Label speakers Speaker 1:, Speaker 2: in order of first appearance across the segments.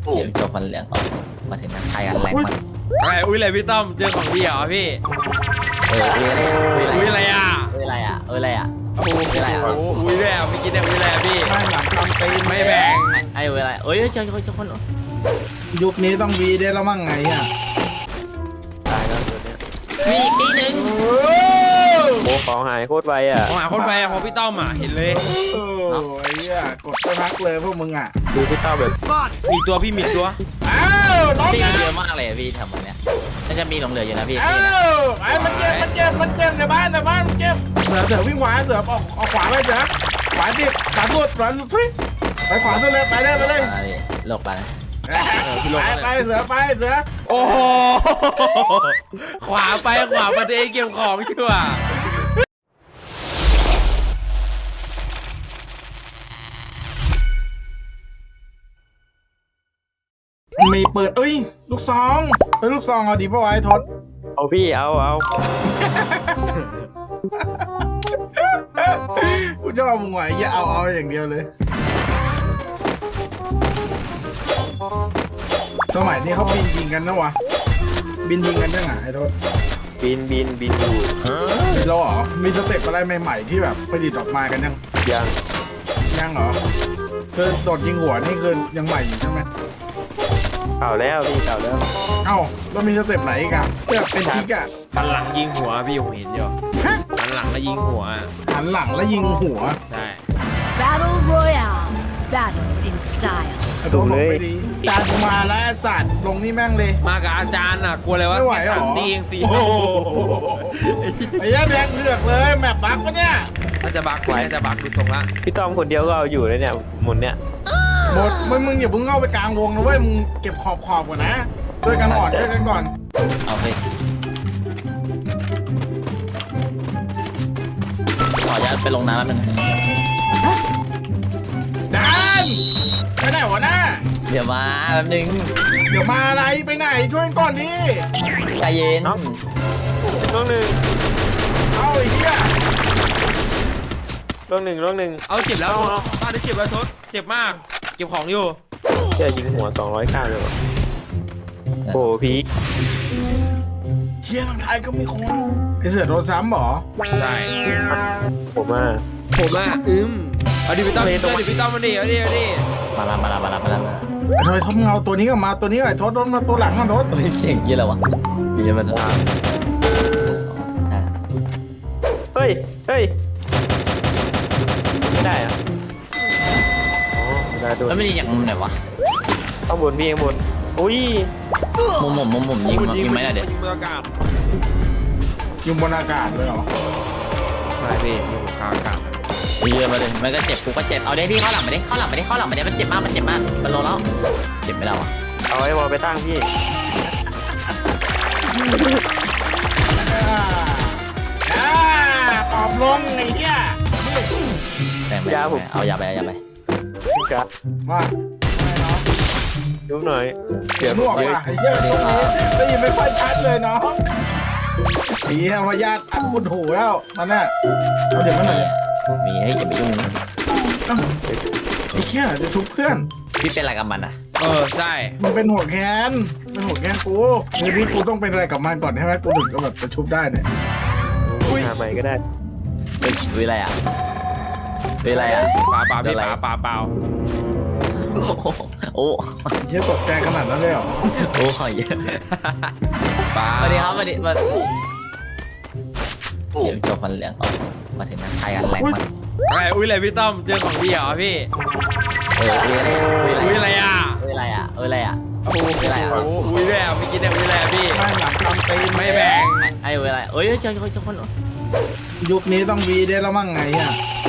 Speaker 1: เดี๋ยวจบมันเหลืองออกมาถึงนั้นไทยกันแรงมาก
Speaker 2: อะไรอุ้ยอะไรพี่ต้อมเจอของดีเหรอพี่
Speaker 1: อุ้ยอะไร
Speaker 2: อุ้ยอะไรอ่ะ
Speaker 1: อุ้ยอะไรอ่ะอุ้ยอะไรอ่ะ
Speaker 2: โอ้โหอุ้ยแล้วไม่กินเนี่ยอุ้ยแล้วพี่
Speaker 3: ไม่หลังทำตีน
Speaker 2: ไม่แบ่ง
Speaker 1: ไอ้อุ้ยอะไรเอ้ยเจอคน
Speaker 3: ยุคนี้ต้องวีได้แล้วมั่งไงอ่ะ
Speaker 4: ตายแล้วตัวเนี้ย
Speaker 1: มีอีกทีหนึ่ง
Speaker 4: โอ้ของหายโคตรไวอ่ะ
Speaker 2: ผมหาคนไปอะพอพี่ต้อมอ่ะเห็นเลย
Speaker 3: โอ้ยกดไปพักเลยพวกมึงอ่ะ
Speaker 4: ดูพี่เต้าแบบ
Speaker 2: มีตัวพี่มีตัว
Speaker 3: อ้าวน้อง
Speaker 1: พี่
Speaker 3: นะ
Speaker 1: เยอะมากเลยพี่ทำมันเนี้ยน่าจะมีหลงเหลืออยู่นะพี่
Speaker 3: อ้าวไอ้มันเจ็บในบ้านมันเจ็บเสือวิ่งขวาเสือออกขวาไปเสือขวาดิขวาสุดไปขวาสุดเลยไปเลย
Speaker 1: หลบไปนะ
Speaker 3: ไปเสือไปเสือ
Speaker 2: โอ้โหขวาไปขวามาตัวเองเก็บของชัวร์
Speaker 3: มีเปิดลูกซองลูกซองเอาดีป่ะวะไอ้ทศ
Speaker 4: เอาพี่เอา
Speaker 3: กูชอบมึงว่ะอย่าเอาอย่างเดียวเลยสมัยนี้เขาบินยิงกันนะวะบินยิงกันยังไงไอ้ทศ
Speaker 4: บินอยู่
Speaker 3: มีแล้วเหรอมีสเต็ปอะไรใหม่ๆที่แบบประดิษฐ์ออกมากันยัง
Speaker 4: ยัง
Speaker 3: เหรอคือโดดยิงหัวนี่คือยังใหม่อยู่ใช่ไหม
Speaker 4: เก่าแล้วพี่เก่าแล้ว
Speaker 3: เอ้าแล้วมีสเต็ปไหนอีกอะเพื่อเป็นทิกอะ
Speaker 2: หันหลังยิงหัวพี่ผมเห็นอยู่หันหลังแล้วยิงหัว
Speaker 3: หันหลังแล้วยิงหัว
Speaker 2: ใช่
Speaker 5: Battle Royale. Battle in style.
Speaker 4: สูงเลย
Speaker 3: จานกูมาแล้วไอ้สัตว์ลงนี่แม่งเลย
Speaker 2: มากับอาจารย์อ่ะกลัวเลยว่า
Speaker 3: ไม่ไหวเหรอ
Speaker 2: ตีเองสี่
Speaker 3: โอ้โหไอ้ยัดแดงเลือกเลยแมปบักปะเนี่ย
Speaker 2: น่าจะบักน่าจะบักดูทรงละ
Speaker 4: พี่ต้อมคนเดียวก็เอาอยู่เลยเนี่ยหมุนเนี่ย
Speaker 3: หมดมึงอย่าเพิ่งเข้าไปกลางวงนะเว้ยมึงเก็บขอบก่อนนะด้วยกันอ่อนด้วยกันก่อน
Speaker 1: เอาไปขออนุญาตไปลงน้ำแป๊บนึง
Speaker 3: จานไปไหนวะน้า
Speaker 1: เดี๋ยวมาแป๊บนึง
Speaker 3: เดี๋ยวมาอะไรไปไหนช่วยก่อนดิ
Speaker 1: ใจเย็น
Speaker 4: ล่วงหนึ่ง
Speaker 3: เอาไอ้เหี้ย
Speaker 4: ล่วงหนึ่ง
Speaker 2: เอาเจ็บแล้วบ้านได้เจ็บแล้วทศเจ็บมากเก็บของอยู่
Speaker 4: เชื่อยิงหัว200 ข้างเลยวะโอ้พี่
Speaker 3: เฮียทางไทยก็มีคนไอเสือโดนซ้ำเหรอ
Speaker 2: ใช่
Speaker 4: ผมอ่ะ
Speaker 2: ผมอ่ะเอาดิพี่ต้อมเอาดิพี่ต้อมมาดิเอาดิ
Speaker 1: มาละ
Speaker 3: ไอ้ทอยทบเงาตัวนี้ก็มาตัวนี้ไอ้ทศโดนมาตัวหลังกันทศ
Speaker 1: เสียงเยอะแล้ววะเยอะมัน
Speaker 4: เฮ้ยไม่ได้อ่ะอ๋อได้โดน
Speaker 1: แล้วไม่ได้อย่างมุมไหนวะ
Speaker 4: ข้างบนพี่ข้างบนอุ้ย
Speaker 1: มุมยิงไหมล่ะเด็ด
Speaker 2: ยิงบนอากาศ
Speaker 3: อยู่บนอากาศเลยเหรอ
Speaker 2: ใช่พี่ยิงบนอากาศ
Speaker 1: เยอะมาเลยมันก็เจ็บกูก็เจ็บเอาได้พี่เข้าหลังมาดิเข้าหลังมาดิมันเจ็บมากมันลงแล้วเจ็บไม่ได้วะ
Speaker 4: เอาไอ้บอลไปตั้งพี่
Speaker 3: ปอบลงไอ้เหี้ย
Speaker 1: แต่ไม่เอาอย่าไป
Speaker 4: พี่กะ
Speaker 3: ว่า
Speaker 4: ยุบหน่อย
Speaker 3: เสียงหวกว่ะไอ้เหี้ยตรงนี้ได้ยินไม่ค่อยชัดเลยเนาะไอ้เหี้ยพยาธิอัดบุญหูแล้วนั่นน่ะเอาเดี๋ยวมาหน่อย
Speaker 1: มีให้อย่าไปยุ่ง
Speaker 3: ไอ้เหี้ยจะทุบเพื่อน
Speaker 1: พี่เป็นอะไรกับมันอ่ะ
Speaker 2: ใช่
Speaker 3: มันเป็นหัวแค้นเป็นหัวแค้นกูในพี่กูต้องเป็นอะไรกับมันก่อนใช่ไหมกูถึงก็แบบจะชุบได้เนี่ย
Speaker 4: หาใหม่ก็ได้
Speaker 1: วิอะไรอ่ะ
Speaker 2: ปลาพี่ปลา
Speaker 1: โอ้
Speaker 3: เหี้ยตกใจขนาดนั้นเลยเหรอ
Speaker 1: โอ้เยอะ
Speaker 2: ปลา
Speaker 1: สวัสดีครับเดี๋ยวจบมันเหลืองออกมาถึงนั้นไทยกันแรงมาก
Speaker 2: อะไรอุ้ยอะไรพี่ต้อมเจอของดีเหรอพี่
Speaker 1: อุ้ยอะไร
Speaker 2: อุ้ยอะไรอ่ะ
Speaker 1: อุ้ยอะไรอ่ะ
Speaker 2: โอ้โหอุ้ยแล้วไม่กินเนี่ยอุ้ยแล้วพี่
Speaker 3: ไม่หลังทำตีน
Speaker 2: ไม่แบ่ง
Speaker 1: ไอ้อุ้ยอะไรเอ้ยเจอคน
Speaker 3: ยุคนี้ต้องวีได้แล้วมั่งไงอ่ะ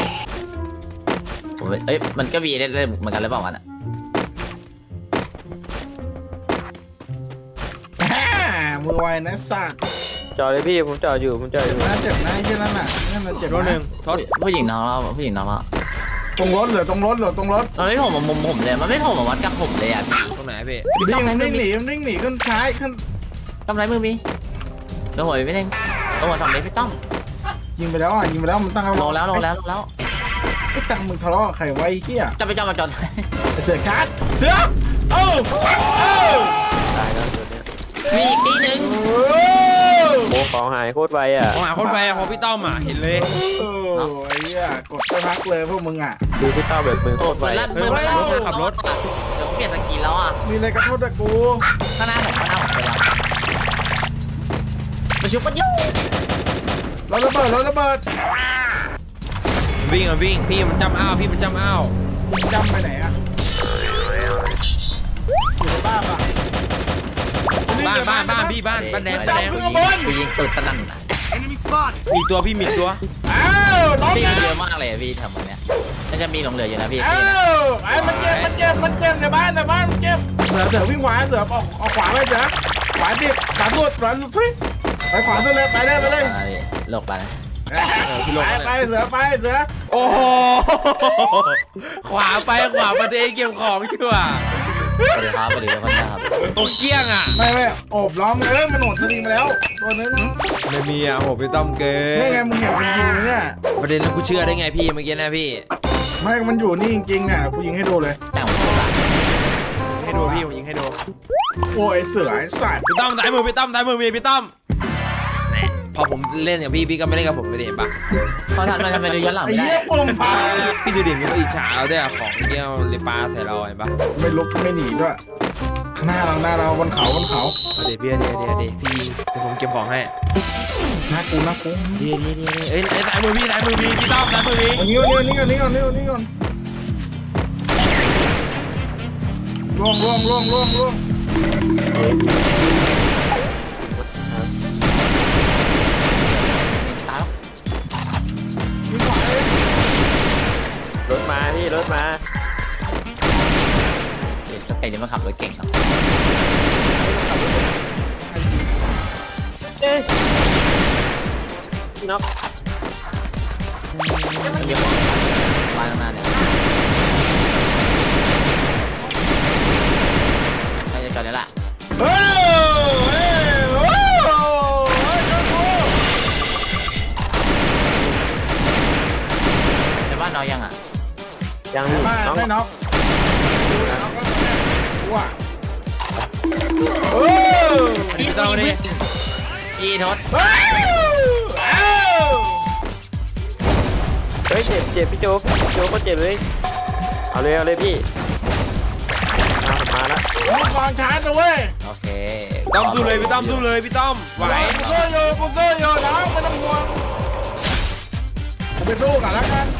Speaker 1: ผมมันก็วีได้เหมือนกันหรือเปล่ามันอ่ะ
Speaker 3: มือไวนะสัตว์
Speaker 4: จอดเลยพี่ผมจอดอยู่
Speaker 3: น่าเจ็บนะไอ้เหี้ยนั่นน่ะนั่นมันเจ็บ
Speaker 2: ตัวหนึ่งทศ
Speaker 1: ผู้หญิงน้องเรา
Speaker 3: ตรงรถเหรอตรงรถ
Speaker 1: มันไม่ผมมุมผมเลยมันไม่ผมวัดกับผมเลยอ่ะ
Speaker 2: ตรงไหนพี่
Speaker 3: วิ่งหนีขึ้นท้ายขึ้น
Speaker 1: ทำไรมือมีโดนหัวไม่เด้งโดนหัวสองเมตรพี่ต้อม
Speaker 3: ยิงไปแล้วมันตั้งเอา
Speaker 1: ลงแล้ว
Speaker 3: ไอ้ตังมึงทะเลาะกับใครไว้เหี้ย
Speaker 1: จะไปจอดมาจอด
Speaker 3: เสือการ์ดเสือเอ้า
Speaker 4: ตายแล้วตัวเนี้ย
Speaker 1: มีอีกทีหนึ่ง
Speaker 3: โอ้
Speaker 4: โอ้ของหายโคตรไวอ่ะ
Speaker 2: ของหาคนไปของพี่ต้อมอ่ะเห็นเลย
Speaker 3: ไอ้เหี้ยกดไปพักเลยพวกมึงอ่ะ
Speaker 4: ดูพี่เต้าแบบมือโคตรไว
Speaker 1: เปิดลั่นเปิดลั่นเดี๋ยวเปลี่ยนสกินแล้วอ่ะ
Speaker 3: มีอะไรกระโทษแต่กู
Speaker 1: ข้างหน้าผมเป็นแล้วมันยุบมันยุบ
Speaker 3: รถระเบิดรถระเบิด
Speaker 2: วิ่งอ่ะวิ่งพี่มันจำอ้าวพี่มันจำอ้าว
Speaker 3: มึงจำไปไหนอ่ะอยู่ในบ้านป่ะ
Speaker 2: บ้านพี่บ้านแดง
Speaker 1: กูยิงปืนสนั่นอ่ะ
Speaker 2: มีตัวพี่มีตัว
Speaker 3: อ้าวรถ
Speaker 1: พี่
Speaker 3: นะ
Speaker 1: เยอะมากเลยพี่ทำตรงเนี้ยมันจะมีหลงเหลืออยู่นะพี่
Speaker 3: อ้าวไอ้มันเจ็บในบ้านมันเจ็บเสือวิ่งขวาเสือออกขวาไปเสือขวาดิขวาสุดไปขวาสุดเลยไปเลย
Speaker 1: โลกไปนะ
Speaker 3: ไปเสือไปเสือ
Speaker 2: โอ้โหขวาไปขวามาตัวเองเก็บของชัวร์
Speaker 1: สวัสดีครับสวัสดีทุกคนนะครับ
Speaker 2: โอ้เกี้ยงอ่ะ
Speaker 3: ไม่โอบล้อมเลยมันโหดสลิงมาแล้วตัวนึง
Speaker 2: ไม่มีอ่ะโหพี่ต้อมเกิ
Speaker 3: นี่ไง
Speaker 2: น
Speaker 3: มึงเห็นมันยิงเนี่ย
Speaker 2: ประเด็นแล้วกูเชื่อได้ไงพี่เมื่อกี้นะพี่
Speaker 3: ไม่มันอยู่นี่จริงๆเนี่ยกูยิงให้ดูเลย
Speaker 1: แต่งผมละ
Speaker 2: ให้ดูพี่ผมยิงให้ดู
Speaker 3: โอ้ยเสือไอ้สัตว์
Speaker 2: พี่ต้อมสายมือพี่ต้อมสายมือมีพี่ต้อมแหน่พอผมเล่นกับพี่ก็ไม่เล่นกับผมไม่ได้เห็นปะ
Speaker 1: เขาทำมันจะไปดูย้อนหลัง
Speaker 3: ไอ้
Speaker 1: ไม่ได้
Speaker 3: เหี้ยปุ่มพัง
Speaker 2: พี่ดูดิมีคนอิจฉาเราด้วยอะของเกี้ยวเลยปลาใส่เราเห็นปะ
Speaker 3: ไม่ลุกไม่หนีด้วยหน้าเราบนเขา
Speaker 2: เอาเดี๋ยวพี่เดี๋ยวพี่เดี๋ยวผมเก็บของให้
Speaker 3: หน้ากู
Speaker 2: ดีเอ้ยสายมือพี่พี่ต้อมสายมือพี่
Speaker 3: อันนี้ก่อนล่วง
Speaker 1: ตายแล้ว
Speaker 3: ยิงขวาเลย
Speaker 4: รถมาพี่รถมา
Speaker 1: เด็กสเปนนี่มันขับรถเก่งเนาะ
Speaker 4: เอ๊ะน็อก
Speaker 1: มันเยอะมากบ้านข้างหน้าเนี่ยใช่จะจอดแล้วล่ะ
Speaker 3: เฮ้ย
Speaker 1: ในบ้านเรายังอ่ะ
Speaker 4: ยังพี่
Speaker 3: มา
Speaker 4: น็อก
Speaker 3: ไม่น็อกว้าโอ้
Speaker 1: พี่ต้องดิพี่ทศ
Speaker 3: เฮ้ย
Speaker 4: เฮ้ยเจ็บพี่โจ๊กก็เจ็บเลยเอาเลยพี่มาแล้ว
Speaker 3: มึงวางชาร์จนะเว้ย
Speaker 1: โอเค
Speaker 2: ต้อมสู้เลยพี่ต้อมสู้เลยพี่ต้อมไหว
Speaker 3: กูสู้อยู่น้องไม่ต้องห่วงกูไปสู้กันแล้วกัน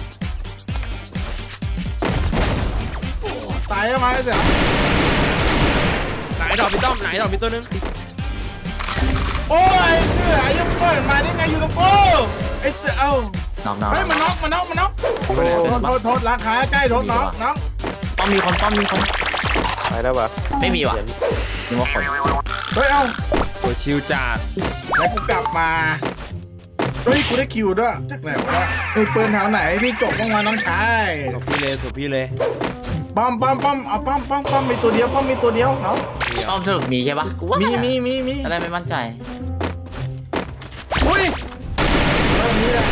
Speaker 3: ตายยังไงเสีย
Speaker 2: ไหนดอกพี่ต้อมไหนดอกพี่ตัวนึง
Speaker 3: โอ้ยเสือยังเปิดมาได้ไงอยู่ตรงกูไอ้เสือเอ้า
Speaker 1: น้อง
Speaker 3: เฮ้ยมันน็อกโทษราคาใกล้โทษน้อง
Speaker 1: ต้องมีคน
Speaker 4: ไปแล้ววะ
Speaker 1: ไม่มีว่ะนึกว่าคน
Speaker 3: เฮ้ยเอ้า
Speaker 2: โอ้ชิวจัด
Speaker 3: แล้วกูกลับมาเฮ้ยกูได้คิวด้วยจากไหนวะมีปืนแถวไหนพี่จบบ้างวะน้องชาย
Speaker 2: ศพพี่เลย
Speaker 3: ป้อมเอาป้อมมีตัวเดียวเนาะ
Speaker 1: ต้อมสรุปมีใช่ปะกูว่า
Speaker 3: มี
Speaker 1: อะไรไม่มั่นใจ
Speaker 3: อุ้ยนี่แหละ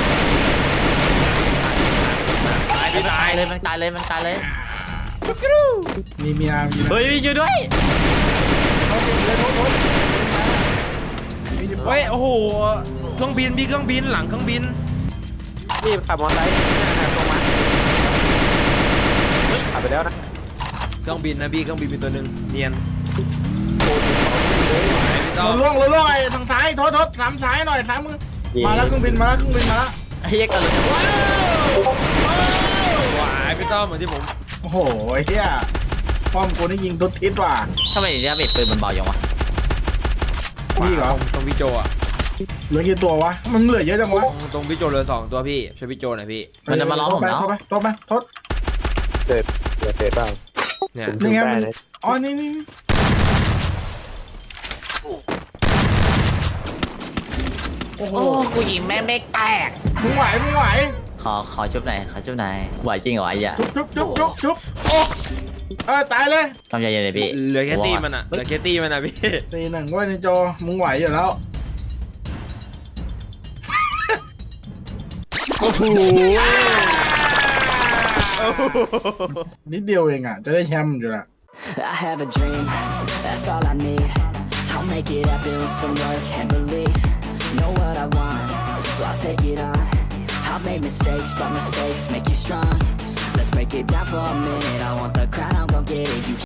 Speaker 1: มันตายเลยมันตายเลย
Speaker 3: มีเมีย
Speaker 1: เฮ้ยช่วยด้วย
Speaker 2: เฮ้ยโอ้โหเครื่องบินพี่เครื่องบินหลังเครื่องบิน
Speaker 4: พี่ขับมอเตอร์ไซค์ตรงมาขับไปแล้วนะ
Speaker 2: เครื่องบินนะพี่เครื่องบินเป็นตัวหนึ่งเนียนพี่ต้อม
Speaker 3: เราล่วงไอ้ทางซ้ายโทษทำซ้ายหน่อยซ้ายมือมาแล้วเครื่องบินมาแล้ว
Speaker 1: ไอ้เหี้ยกันเลย
Speaker 2: หวายพี่ต้อมเหมือนที่ผม
Speaker 3: โอ้โหเฮียป้อมกูนี่ยิงทุกทิศว่ะ
Speaker 1: ทำไมเนี่ยเบ็ดปืนมันเบาอย่างวะ
Speaker 3: นี่เหรอ
Speaker 2: ตรงพี่โจอ่ะ
Speaker 3: เหลือกี่ตัววะมันเหลือเยอะจังวะ
Speaker 2: ตรงพี่โจเหลือ2ตัวพี่ช่วยพี่โจหน่อยพี่
Speaker 1: มันจะมาล้อผมแล้ว
Speaker 3: โทษไป
Speaker 4: เกิดบ้าง
Speaker 2: เนี่ย
Speaker 3: นี่ไง
Speaker 4: ได้เลย
Speaker 3: อ๋อนี่โอ้โห
Speaker 1: โอ้กูยิงแม่งไม่แตก
Speaker 3: มึงไหว
Speaker 1: ขอชุบไหนไหวจริงเหรอไอ้เหี้ย
Speaker 3: ชุบโอ้ตายเลย
Speaker 1: กำใจเย็นเลยพี่
Speaker 2: เหลือแค่ตีมันอ่ะเหลือแค่ตีมันอ่ะพี่
Speaker 3: ตีหนึ่งเว้ยในจอมึงไหวอยู่แล้ว
Speaker 2: โอ้โห
Speaker 3: นิดเดียวเองอ่ะจะได้แชมป์อยู่ละ
Speaker 6: I have a dream, that's all I need. I'll make it happen with some work and belief. Know what I want, so I'll take it on. I've made mistakes, but mistakes make you strong. Let's break it down for a minute. I want the crown, I'm gon' get it. You